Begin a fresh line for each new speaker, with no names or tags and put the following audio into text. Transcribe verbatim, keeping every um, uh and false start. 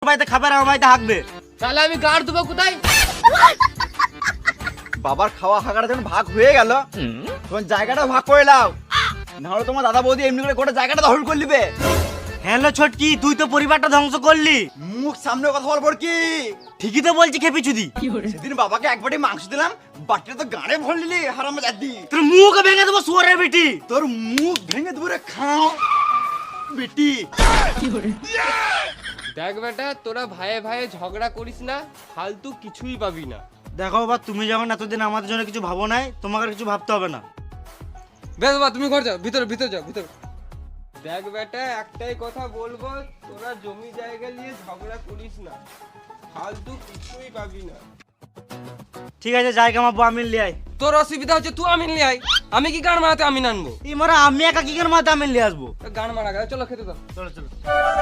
বাড়িতে খাবার আমার বাড়িতে হাঁকবে।
তাহলে আমি গাড় দেবো কোথায়?
বাবার খাওয়া হাঁকাটা যখন ভাগ হয়ে গেল তখন জায়গাটা ভাগ করে নাও, নাহলে তোমার দাদা বৌদি এমনি করে গোটা জায়গাটা দখল করে নিবে।
হ্যালো ছটকি, তুই তো পরিবারটা ধ্বংস করলি।
মুখ সামনে কথা বলবো কি?
ঠিকই তো বলছি খেপি চুদি।
সেদিন বাবাকে এক বাটি মাংস দিলাম, বাটিটা তো গাড়ে ভর নিলি হারামজাদি।
তোর মুখ ভেঙে দেবো শুয়োরের বেটি।
তোর মুখ ভেঙে দেবো রে খাও বেটি।
দেখ বেটা, তোরা ভাইয়ে ভাইয়ে ঝগড়া করিস না, ফালতু কিছুই পাবি না।
দেখো বাবা, তুমি যখন এতদিন আমাদের জন্য কিছু ভাবো নাই, তোমাকে আর কিছু ভাবতে হবে না।
বেশ বাবা, তুমি ঘর যাও, ভিতরে ভিতরে যাও ভিতরে। দেখ বেটা, একটাই কথা বলবো, তোরা জমি জায়গা নিয়ে ঝগড়া করিস না, ফালতু কিছুই পাবি না।
ঠিক আছে, জায়গা আমার বউ আমিন লিয়ে আয়।
তোর অসুবিধা হচ্ছে তুই আমিন নিয়ে আয়, আমি কি গান মারাতে আমিন আনবো?
এই মারা আমি একা কি করে মাথা আমিন লিয়ে আসবো?
গান মারা গেল, চলো খেতে দাও।
চলো চলো।